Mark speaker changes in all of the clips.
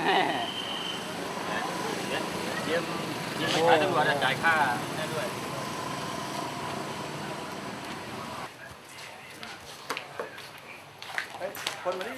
Speaker 1: เยี่ยมไปขายตำรวจจ่ายค่าได้ด้วย
Speaker 2: คนมาดิ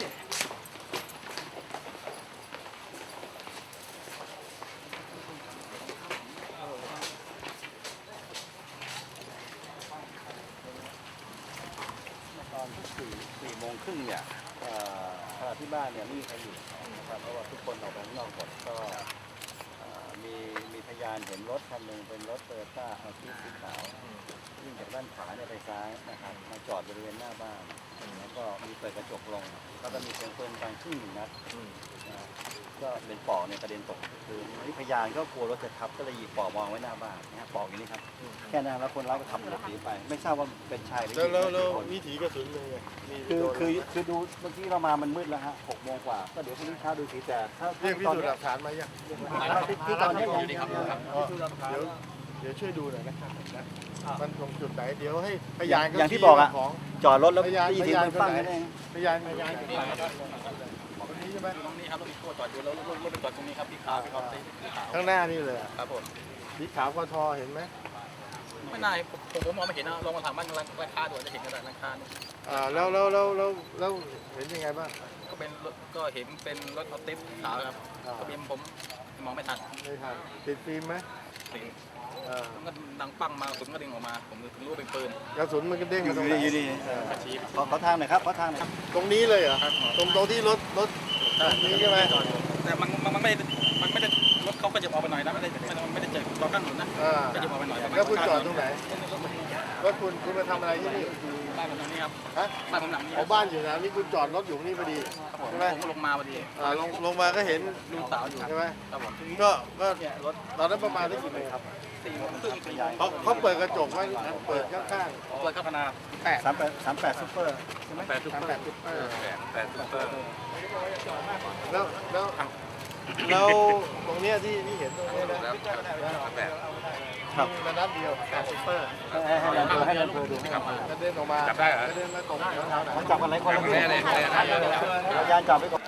Speaker 2: ตอน4 โมงครึ่งเนี่ยขณะที่บ้านเนี่ยไม่มีใครอยู่นะครับเพราะว่าทุกคนออกไปข้างนอกหมดก็มีพยานเห็นรถคันหนึ่งเป็นรถโตโยต้าอัลติสสีขาววิ่งจากด้านขวาเนี่ยไปซ้ายนะครับมาจอดบริเวณหน้าบ้านแล้วก็มีเปิดกระจกลงแล้วก็มีเสียงปืนดังขึ้น1 นัดก็เป็นปอกเนี่ยกระเด็นตกคือนี่พยานก็กลัวรถจะทับก็เลยหยิบปอกวางไว้หน้าบ้านนะปอกอย่างนี้ครับแค่นั้นแล้วคนร้ายก็ขับหลบหนีไปไม่ทราบว่าเป็นชายหรือหญิง
Speaker 3: แล้ววิถีกระสุนเลย
Speaker 2: คือดูเมื่อกี้เรามามันมืดแล้วฮะ6 โมงกว่าก็เดี๋ยวพรุ่งนี้เช้าดูสีแต่ถ้า
Speaker 3: เรียกพิสูจน์หลักฐานมายัง
Speaker 2: ที่ตอนนี้ยัง
Speaker 3: เดี๋ยวช่วยดูหน่อยนะครับมันตรงจุดไหนเดี๋ยวให้พยาน
Speaker 2: อย่างที่บอกอะ
Speaker 3: ของ
Speaker 2: จอดรถแล้ว
Speaker 3: พยาน
Speaker 2: ได้ยินเสียงปืนปั้งนั่นเอง
Speaker 3: พยานคนนี้ใช่ไหม
Speaker 1: ตรงนี้ครับรถมีตัวจอดอยู่แล้วรถไปจอดตรงนี้ครับพี่ขาวพี่ครับสีขาว
Speaker 3: ข้างหน้านี่เลย
Speaker 1: ครับผม
Speaker 3: สีขาวกทเห็นไหม
Speaker 1: ไม่น่าผมมองไม่เห็นนะลองมาถามบ้านราคาดูจะเห็นกระดาษราคาเนี่ย
Speaker 3: แล้วเห็นยังไงบ้าง
Speaker 1: ก็เป็นรถก็เห็นเป็นรถออติฟขาวครับทะเบียนผมมองไม่ทัน
Speaker 3: ไม่ทันติดฟิล์มไหม
Speaker 1: สีมันก็ดังปั้งมาสุดก็ดึงออกมาผมถึงรู้ว่าเป็นปืน
Speaker 3: กระสุนมันก็เด้งมาตรงไหน
Speaker 2: อยู่ดีขอทางหน่อยครับขอทางหน่อย
Speaker 3: ตรงนี้เลยเหรอตรงที่รถนี้ใช่ไหม
Speaker 1: แต่มันไม่ได้รถเขาก็จะออกไปหน่อยนะไม่ได้เจอตอนข้างถนนนะก็จะออกไปหน่อย
Speaker 3: แล้วคุณจอดตรงไหนแล้วคุณมาทำอะไรที่นี่
Speaker 1: บ้านผมตรงนี้ครับ
Speaker 3: ฮะ
Speaker 1: บ้านผมหลังนี้
Speaker 3: เอาบ้านอยู่นะนี่คุณจอดรถอยู่นี่พอดี
Speaker 1: ใช่ไหมผมลงมาพอดี
Speaker 3: ลงมาก็เห็น
Speaker 1: ลูกสาวอยู่
Speaker 3: ใช่ไหม
Speaker 1: ครับผม
Speaker 3: ก็ตอนนั้นประมาณได้กี่โมงครับ
Speaker 1: 4 โมงครึ่ง
Speaker 3: เขาเปิดกระจกไว้เปิดข้าง
Speaker 1: เปิดข้างหน้า
Speaker 2: 38ซุปเปอร์ใช่ไหม
Speaker 1: 8 ซุปเปอร์
Speaker 3: 8 ซุปเปอร์
Speaker 1: 8 ซุปเปอร์
Speaker 3: แล้วตรงเนี้ยที่เห็นตรงเนี้ยนะมีมานัดเดียว8 ซุปเปอร์
Speaker 2: ให้เดินดูให้เดินดูให้
Speaker 3: กระเด็นออกมากระเด็นมาตรงแถวๆไหน
Speaker 2: มันจับกันหลายคนแล้วพยานจับไปก่อน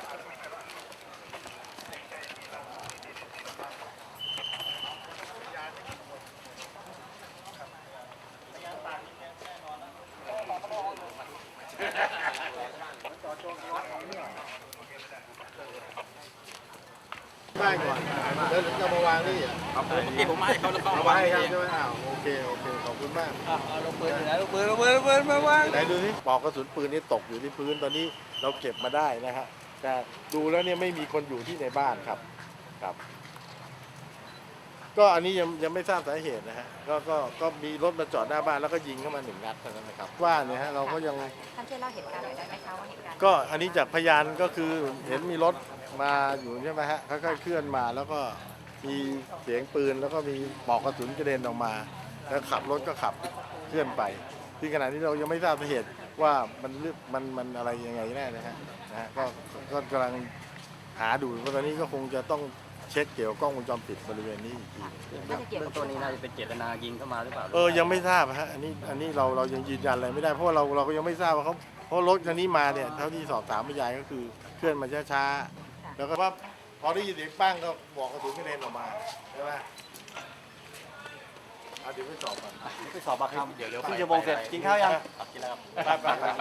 Speaker 3: บ้านก่อนแล้วถึงจะมาวางนี่อ่ะ
Speaker 1: ครับผมเมื่อกี้ผมให้เขาแล้วก็
Speaker 3: เอา
Speaker 1: เอา
Speaker 3: ไว้
Speaker 1: ไว้
Speaker 3: ให้
Speaker 1: ให้
Speaker 3: ใช่ไหมโอเคขอบคุณมาก
Speaker 1: ลงปืนอยู่ไหนลงปืนมาวาง
Speaker 3: ไหนดูสิปลอกกระสุนปืนนี่ตกอยู่ที่พื้นตอนนี้เราเก็บมาได้นะฮะแต่ดูแล้วเนี่ยไม่มีคนอยู่ที่ในบ้านครับ ก็อันนี้ยังไม่ทราบสาเหตุนะฮะก็มีรถมาจอดหน้าบ้านแล้วก็ยิงเข้ามา1 นัดเท่านั้นนะครับว่าเนี่ยฮะเราก็ยัง
Speaker 4: ท่านช่วยเล่าเหตุการณ์หน่อยได้ไหมคะว่าเหตุการณ์
Speaker 3: ก็อันนี้จากพยานก็คือเห็นมีรถมาอยู่ใช่ไหมฮะค่อยๆเคลื่อนมาแล้วก็มีเสียงปืนแล้วก็มีปลอกกระสุนกระเด็นออกมา แล้วขับรถก็ขับเคลื่อนไปที่ขณะนี้เรายังไม่ทราบสาเหตุว่ามันอะไรยังไงแน่นะฮะก็กำลังหาดูเพราะตอนนี้ก็คงจะต้องเช็คเกี่ยวกับกล้องวงจรปิดบริเวณนี้อีกที
Speaker 4: น่าจะเกี่ยวกับ
Speaker 1: ตัวนี้น่าจะเป็นเจตนายิงเข้ามาหรือเปล่า
Speaker 3: ยังไม่ทราบฮะอันนี้เรายังยืนยันอะไรไม่ได้เพราะว่าเราก็ยังไม่ทราบว่าเขาเพราะรถคันนี้มาเนี่ยเท่าที่สอบถามพยานก็คือเคลื่อนมาช้าๆแล้วก็ว่าพอได้ยินเสียงปั้งก็บอกกระสุนกระเด็นออกมาใช่ไหมเดี๋ยวไปสอบก่อน
Speaker 2: ไปสอบปากคำเดี๋ยวครึ่งชั่วโมงเสร็จกินข้าวยัง
Speaker 1: กินแล้วครับ